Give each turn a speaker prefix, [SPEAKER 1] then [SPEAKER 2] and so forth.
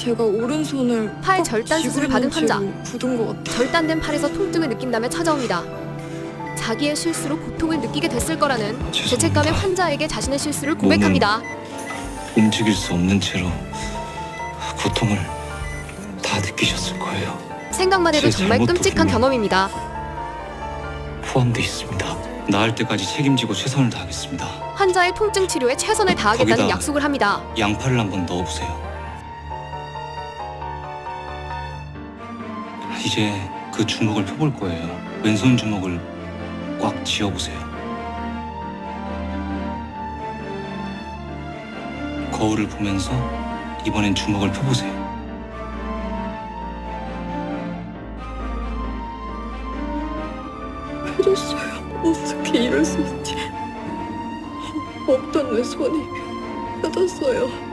[SPEAKER 1] 제가 오른손을
[SPEAKER 2] 팔
[SPEAKER 1] 꽉
[SPEAKER 2] 절단
[SPEAKER 1] 쥐고
[SPEAKER 2] 수술을 받은
[SPEAKER 1] 있는
[SPEAKER 2] 환자.
[SPEAKER 1] 채로 굳은 것 같아요.
[SPEAKER 2] 절단된 팔에서 통증을 느낀다며 찾아옵니다. 자기의 실수로 고통을 느끼게 됐을 거라는 죄책감의 환자에게 자신의 실수를 고백합니다.
[SPEAKER 3] 움직일 수 없는 채로 고통을 다 느끼셨을 거예요.
[SPEAKER 2] 생각만 해도
[SPEAKER 3] 제
[SPEAKER 2] 정말
[SPEAKER 3] 잘못도
[SPEAKER 2] 끔찍한
[SPEAKER 3] 분명
[SPEAKER 2] 경험입니다.
[SPEAKER 3] 포함돼 있습니다. 나을 때까지 책임지고 최선을 다하겠습니다.
[SPEAKER 2] 환자의 통증 치료에 최선을 다하겠다는
[SPEAKER 3] 거기다
[SPEAKER 2] 약속을 합니다.
[SPEAKER 3] 양팔을 한번 넣어보세요. 이제 그 주먹을 펴볼 거예요. 왼손 주먹을 꽉 쥐어보세요. 거울을 보면서 이번엔 주먹을 펴보세요.
[SPEAKER 1] 펴졌어요. 어떻게 이럴 수 있지? 없던 내 손이 펴졌어요.